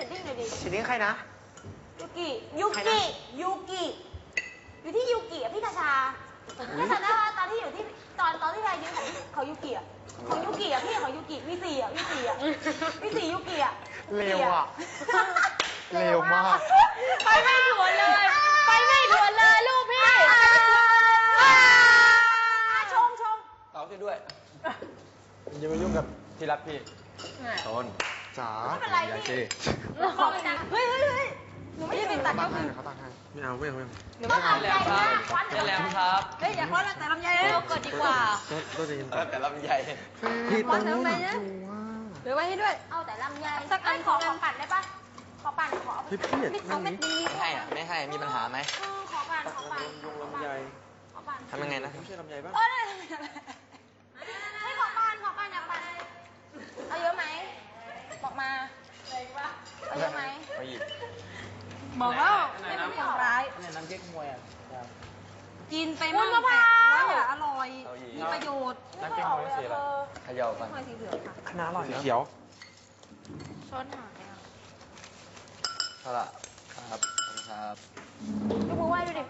ดิ้งหน่อยดิเชดดิ้งใครนะยูกิอยู่ที่ยูกิอ่ะพี่กาชาพี่จำได้ว่าตอนที่อยู่ที่ตอนที่เรายืนของยูกิอ่ะของยูกิอ่ะพี่ของยูกิมี4อ่ะมี4อ่ะมี4ยูกิอ่ะเร็วอ่ะ เร็วมากไปไม่ถวนเลย ไปไม่ถวนเลยลูกพี่ชงเต่าพี่ด้วยอย่ามายุ่งกับที่รักพี่ต้นจ๋าไม่เป็นไรพี่ขอไปนะเฮ้ยหนูไม่ได้เป็นตัดตั้ก็งให้คือเขาตั้งให้ไม่เอาหนูไม่ทำอะไรนะวัดเป็นแล้วครับเฮ้ยอย่าคว้าแต่ลำไยเลยเราเกิดดีกว่าก็จะยินแต่ลำใหญ่พี่ต้องทำไมนะ เดี๋ยวไว้ให้ด้วยเอาแต่ลำไยสักอันขอปั่นได้ปะขอปั่นขอพี่พี่มิดเอาเม็ดดีไม่ให้อ่ะไม่ให้มีปัญหาไหมขอปั่นขอปั่นลำใหญ่ขอปั่นทำยังไงนะไม่ใช่ลำใหญ่บ้างให้ขอปั่นอยากปั่นเอาเยอะไหมบอกมาเอาเยอะไหมไปหยิบบอกแล้วไม่เป็นคนร้ายเนี่ยน้ำเก๊กฮวยอ่ะกินไปมั่งแต่ว่าอย่าอร่อย มีประโยชน์น้ำเก๊กฮวยสีอะไรเขย่ากันหอยสีเหลืองค่ะคณะอร่อยสีนะเขียวช้อนหายอ่ะเท่าไหร่ครับครับยกมือไหว้ดูดิ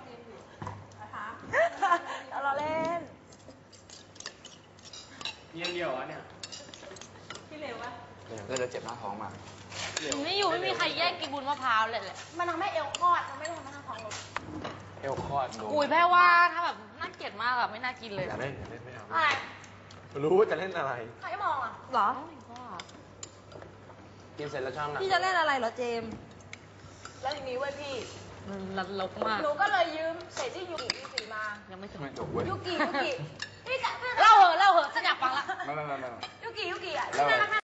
เอาเราเล่นยังเดียวอ่ะเนี่ยแล้วจะเจ็บหน้าท้องมาไม่อยู่ไม่มีใครแย่งกินบุญมะพร้าวเลยแหละมันทำให้เอวคลอดมันไม่ทำให้ท้องลดเอวคลอดดูอุ้ยแพ้ว่าถ้าแบบน่าเกลียดมากอะไม่น่ากินเลยอย่าเล่นไม่เอาอะไรรู้ว่าจะเล่นอะไรใครมองอ่ะหรอกินเสร็จแล้วชอบหนักพี่จะเล่นอะไรเหรอเจมแล้วทีนี้เว้ยพี่มันลกมากหนูก็เลยยืมเศษที่ยูกิสีมายังไม่ถึงไม่จบเว้ยยูกิพี่กะเล่าเหอะฉันอยากฟังละไม่ยูกิอ่ะแล้วอะไร